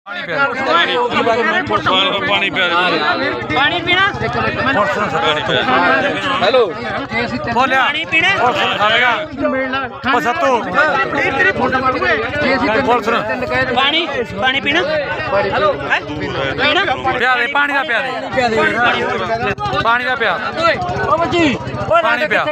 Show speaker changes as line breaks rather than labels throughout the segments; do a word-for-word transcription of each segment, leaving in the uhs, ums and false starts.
पानी पानी पीना हेलो बोलिया पानी पीना सत्तू पानी पानी पीना हेलो पीना प्या दे पानी का प्या दे पानी का प्या पानी प्या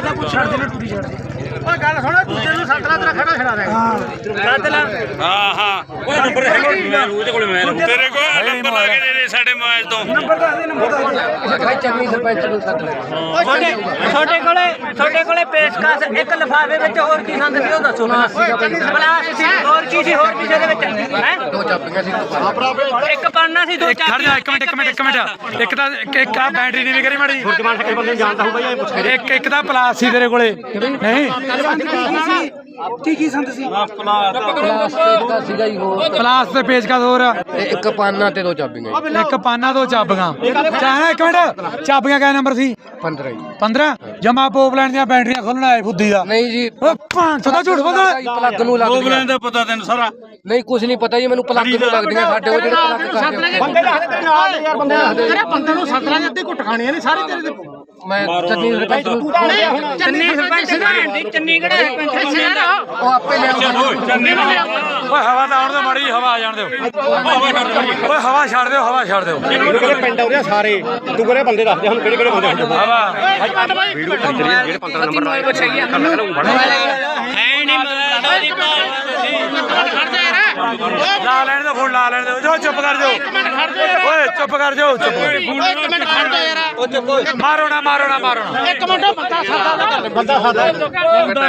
गल सुन दूजे नूं सੱਤ ਲਾ तेरा खड़ा खड़ा रहेगा हां हां ओ नंबर है ਉਹਦੇ ਕੋਲ ਮੈਂ ਤੇਰੇ ਕੋਲ ਨੰਬਰ ਲਾ ਕੇ ਦੇ ਦੇ ਸਾਡੇ ਮੋਬਾਈਲ ਤੋਂ ਨੰਬਰ ਦੱਸ ਦੇ ਨੰਬਰ ਦੱਸ ਭਾਈ ਚੰਨੀ ਸਰਪੰਚ ਨੂੰ ਸੱਤ ਲੈ ਛੋਟੇ ਛੋਟੇ ਕੋਲੇ ਛੋਟੇ ਕੋਲੇ ਪੇਸ਼ਕਸ਼ ਇੱਕ ਲਿਫਾਫੇ ਵਿੱਚ ਹੋਰ ਕੀ ਸੰਦ ਸੀ ਉਹ ਦੱਸੋ ਪਲਾਸ ਸੀ ਹੋਰ ਕੀ ਸੀ ਹੋਰ ਕਿਸੇ ਦੇ ਵਿੱਚ ਹੈ ਦੋ ਚਾਬੀਆਂ ਸੀ ਇੱਕ ਪਾਨਾ ਸੀ ਦੋ ਚਾਬੀਆਂ ਖੜ ਜਾ ਇੱਕ ਮਿੰਟ ਇੱਕ ਮਿੰਟ ਇੱਕ ਮਿੰਟ ਇੱਕ ਤਾਂ ਇੱਕ ਆ ਬੈਟਰੀ ਨਹੀਂ ਕਰੀ ਮਾੜੀ ਫੁਰਜਮਾਨ ਸਕਦੇ ਬੰਦੇ ਨੂੰ ਜਾਣਦਾ ਹੋਊ ਬਾਈ ਇਹ ਪੁੱਛ ਇੱਕ ਇੱਕ ਤਾਂ ਪਲਾਸ ਸੀ ਤੇਰੇ ਕੋਲੇ ਨਹੀਂ ਕੀ ਕੀ ਸੰਦ ਸੀ ਪਲਾਸ ਪੇਚਕਾ ਸੀਗਾ ਹੀ ਹੋਰ ਪਲਾਸ ਤੇ ਪੇਚਕਾ ਹੋਰ ਇੱਕ ਪਾਨਾ ਤੇ ਦੋ ਚਾਬੀਆਂ ਇੱਕ ਪਾਨਾ ਦੋ ਚਾਬੀਆਂ ਚਾਹਣਾ ਇੱਕ ਮਿੰਟ ਚਾਬੀਆਂ ਕਿਹੜਾ ਨੰਬਰ ਸੀ ਪੰਦਰਾਂ ਪੰਦਰਾਂ ਜਮਾ ਪੋਪਲੈਂਡ ਦੀਆਂ ਬੈਟਰੀਆਂ ਖੋਲਣ ਆਏ ਫੁੱਦੀ ਦਾ ਨਹੀਂ ਜੀ ਪੰਜ ਸੌ ਦਾ ਝੂਠ ਬੋਲਦਾ ਪਲੱਗ ਨੂੰ ਲੱਗਦਾ ਪੋਪਲੈਂਡ ਦਾ ਪਤਾ ਤੈਨੂੰ ਸਾਰਾ ਨਹੀਂ ਕੁਝ ਨਹੀਂ ਪਤਾ ਜੀ ਮੈਨੂੰ ਪਲੱਗ ਨੂੰ ਲੱਗਦੀਆਂ ਸਾਡੇ ਉਹ ਜਿਹੜੇ ਪਲੱਗ ਕਰਦੇ ਬੰਦੇ ਦੱਸਦੇ ਤੇਰੇ ਨਾਲ ਯਾਰ ਬੰਦੇ ਦੱਸਦੇ ਅਰੇ ਬੰਦੇ ਨੂੰ ਸੱਤ ਲਾਂ ਅੱਧੇ ਘੁੱਟ ਖਾਣੀਆਂ ਨੇ ਸਾਰੇ ਤੇਰੇ ਮੈਂ ਚੰਨੀ ਸਰਪੰਚ ਨੂੰ ਚੰਨੀ ਸਰਪੰਚ ਦੀ ਚੰਨੀ ਕਿਹੜਾ ਸਰਪੰਚ ਯਾਰ ਉਹ ਆਪੇ ਲਿਆਉਂਦਾ ਚੰਨੀ ਨੂੰ ਓਏ ਹਵਾ ਤਾਂ ਆਉਣ ਦਿਓ ਮਾੜੀ ਹਵਾ ਆ ਜਾਣ ਦਿਓ ਓਏ ਹਵਾ ਛੱਡ ਦਿਓ ਹਵਾ ਛੱਡ ਦਿਓ ਇਹਨੂੰ ਕਿਹੜੇ ਪਿੰਡ ਆਉਰੇ ਸਾਰੇ ਤੂੰ ਕਿਹੜੇ ਬੰਦੇ ਦੱਸਦੇ ਹੁਣ ਕਿਹੜੇ ਕਿਹੜੇ ਬੰਦੇ ਹਵਾ ਵੀਡੀਓ ਜਿਹੜੇ ਪੰਦਰਾਂ ਨੰਬਰ ਆਏ ਪੁੱਛ ਗਿਆ ਹੈ ਨਹੀਂ ਮੋਬਾਈਲ ਦੀ ਪਾਲ ਖੜ ਜਾ ਯਾਰ ਲਾ ਲੈਣ ਦੇ ਫੋਨ ਲਾ ਲੈਣ ਦੇ ਜੋ ਚੁੱਪ ਕਰ ਜਾਓ ਓਏ ਚੁੱਪ ਕਰ ਜਾਓ ਚੁੱਪ ਇੱਕ ਮਿੰਟ ਖੜ ਜਾ ਯਾਰ ਉਹ ਚੁੱਪ ਮਾਰੋ ਨਾ ਮਾਰੋ ਨਾ ਮਾਰੋ ਨਾ ਇੱਕ ਮਿੰਟ ਬੰਦਾ ਸਾਦਾ ਬੰਦਾ ਸਾਦਾ ਓਏ ਚੁੱਪ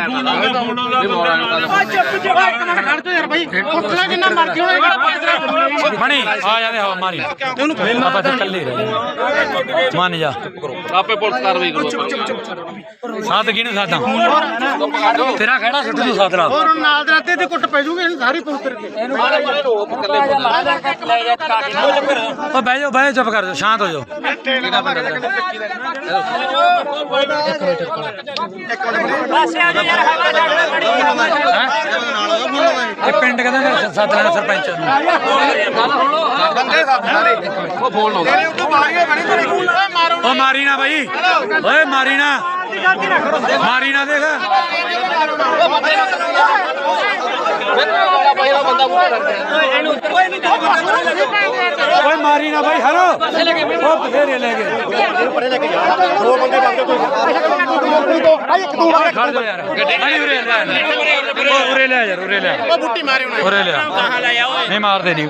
ਚੁੱਪ ਇੱਕ ਮਿੰਟ ਖੜ ਜਾ ਯਾਰ ਬਾਈ ਪੁੱਛਣਾ ਕਿੰਨਾ ਮਰਜ਼ੀ ਹੋਏਗਾ ਬਣੀ ਆ ਜਾਂਦੇ ਹਵਾ ਮਾਰੀ ਤੈਨੂੰ ਆਪਾਂ ਤਾਂ ਇਕੱਲੇ ਰਹੇ ਮੰਨ ਜਾ ਆਪੇ ਪੁਲਿਸ ਕਾਰਵਾਈ ਕਰੋ ਸਾਥ ਕਿਹਨੇ ਸਾਥਾਂ ਤੇਰਾ ਖੜਾ ਸੁੱਟ ਦੂ ਸਾਥ ਨਾਲ ਹੋਰ ਨਾਲ ਦੇ ਰਾਤੇ ਤੇ ਕੁੱਟ ਪੈ ਜੂਗੇ ਇਹਨੂੰ ਸਾਰੀ ਪੁਲਿਸ ਕਰਕੇ ਇਹਨੂੰ ਮਾਰੇ ਮਾਰੇ ਰੋਕ ਇਕੱਲੇ ਲੈ ਜਾ ਕਾਟੀ ਉਹ ਬਹਿ ਜਾਓ ਬਹਿ ਚੁੱਪ ਕਰ ਜਾਓ ਸ਼ਾਂਤ ਹੋ ਜਾਓ ਇਹ ਪਿੰਡ ਕਹਿੰਦਾ ਸੱਤ ਲੈਣਾ ਸਰਪੰਚ ਬੰਦੇ ਸਾਰੇ ਉਹ ਫੋਨ ਲਾਉਂਦਾ ਤੇਰੇ ਉੱਤੇ ਮਾਰੀਏ ਬਣੀ ਤੇਰੀ ਓ ਮਾਰੀ ਨਾ ਬਾਈ ਓਏ ਮਾਰੀ ਨਾ ਮਾਰੀ ਨਾ ਦੇਖ ਓਏ ਮਾਰੀ ਨਾ ਬਾਈ ਹਲੋ ਉਹ ਬਥੇਰੇ ਲੈ ਗਏ ਦੋ ਬੰਦੇ ਬੰਦੇ ਕੋਈ ਖੜ ਜਾ ਯਾਰ ਨਹੀਂ ਉਰੇ ਲੈ ਉਰੇ ਲੈ ਯਾਰ ਉਰੇ ਲੈ ਉਹ ਬੁੱਟੀ ਮਾਰੇ ਉਹਨੇ ਉਰੇ ਲੈ ਨਹੀਂ ਮਾਰਦੇ ਨਹੀਂ